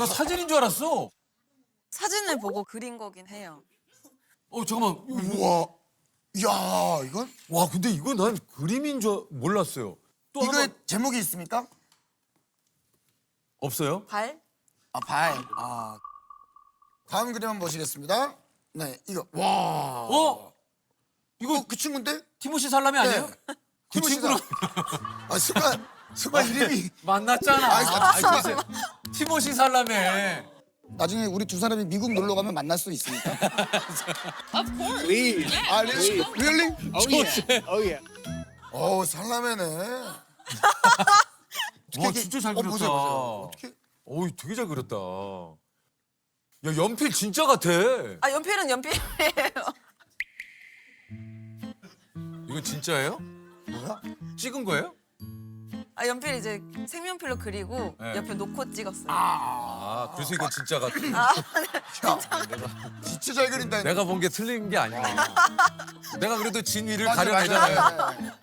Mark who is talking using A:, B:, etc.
A: 나 사진인 줄 알았어.
B: 사진을 보고 그린 거긴 해요.
A: 잠깐만.
C: 우와. 야, 이건
A: 와, 근데 이거 난 그림인 줄 몰랐어요. 또
C: 이거에
A: 한번
C: 제목이 있습니까?
A: 없어요?
B: 발?
C: 아, 발. 다음 그림 한번 보시겠습니다. 네, 이거. 와.
A: 이거
C: 그 친구인데?
A: 티모시 살라메 아니에요?
C: 네.
A: 그 친구는
C: 아, 순간 이름이
A: 만났잖아.
C: 아이,
A: 글쎄. 티모시 살라메.
C: 나중에 우리 두 사람이 미국 놀러 가면 만날 수 있습니까?
D: Of course.
E: Please.
C: 아, really?
E: Oh yeah. Oh yeah.
C: 살라매네.
A: 와, 진짜 잘 그렸다.
C: 보세요. 어떻게?
A: 어이, 되게 잘 그렸다. 야, 연필 진짜 같아.
B: 아, 연필은 연필이에요.
A: 이건 진짜예요?
C: 뭐야?
A: 찍은 거예요?
B: 아, 연필 이제 색연필로 그리고
A: 네.
B: 옆에 놓고 찍었어요.
A: 그래서 이건 진짜 같아.
C: 진짜 잘 그린다.
A: 내가 본 게 틀린 게 아니야. 내가 그래도 진 위를
C: 맞아,
A: 가려내잖아요.
C: 맞아.